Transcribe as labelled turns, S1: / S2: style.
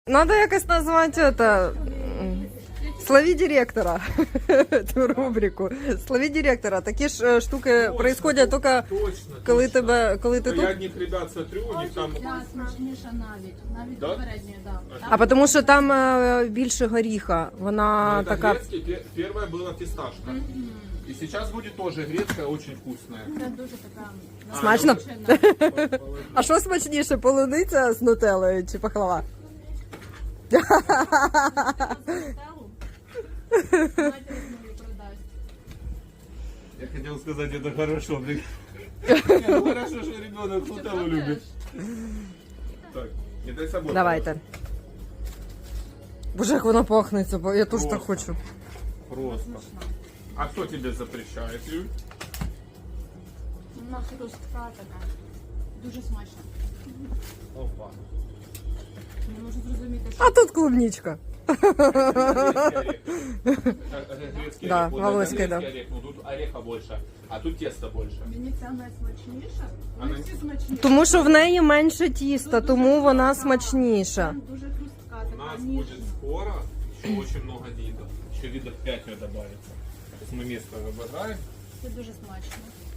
S1: Надо якось назвати это. Слови директора. Эту рубрику. Слови директора. Такі ж штуки происходять тільки коли тебе, коли ти тут.
S2: Я одних ребят смотрю, у них там...
S3: Да, смачніша навіть
S2: Да?
S3: попередньої, да.
S1: А тому що там більше горіха. Вона
S2: Это
S1: така.
S2: грецкий, первая была фисташка. И сейчас будет тоже грецкая, очень вкусная.
S3: Це дуже така
S1: Смачно?
S3: насичена.
S1: А що смачніше, полуниця з нутеллою чи пахлава?
S3: Стелу. Давайте мені продасть.
S2: Я хотел сказать, это хорошо. блин. Ну, хорошо, что ребенок нутеллу любит. Так, не дай собой.
S1: Давайте. Боже, як воно пахнеться, бо я теж так хочу.
S2: Просто. А кто тебе запрещает, Юль?
S3: Вона хрустка така. Дуже смачна.
S2: Опа.
S3: Не можу зрозуміти, що
S1: А тут клубничка.
S2: Грецкий
S1: Да,
S2: орех. Вот
S1: волоський,
S2: это
S1: да.
S2: грецкий орех, но тут ореха больше, а тут теста больше.
S3: мені ця найсмачніша. Вони
S2: Вона-
S3: всі смачні.
S1: Тому що в неї менше тіста, тому вона смачніша.
S3: Там дуже хрустка
S2: У нас
S3: така,
S2: будет
S3: ніжна.
S2: скоро еще очень много видов. Еще видов 5 добавится. Сейчас мы место выбираем.
S3: Це дуже смачно.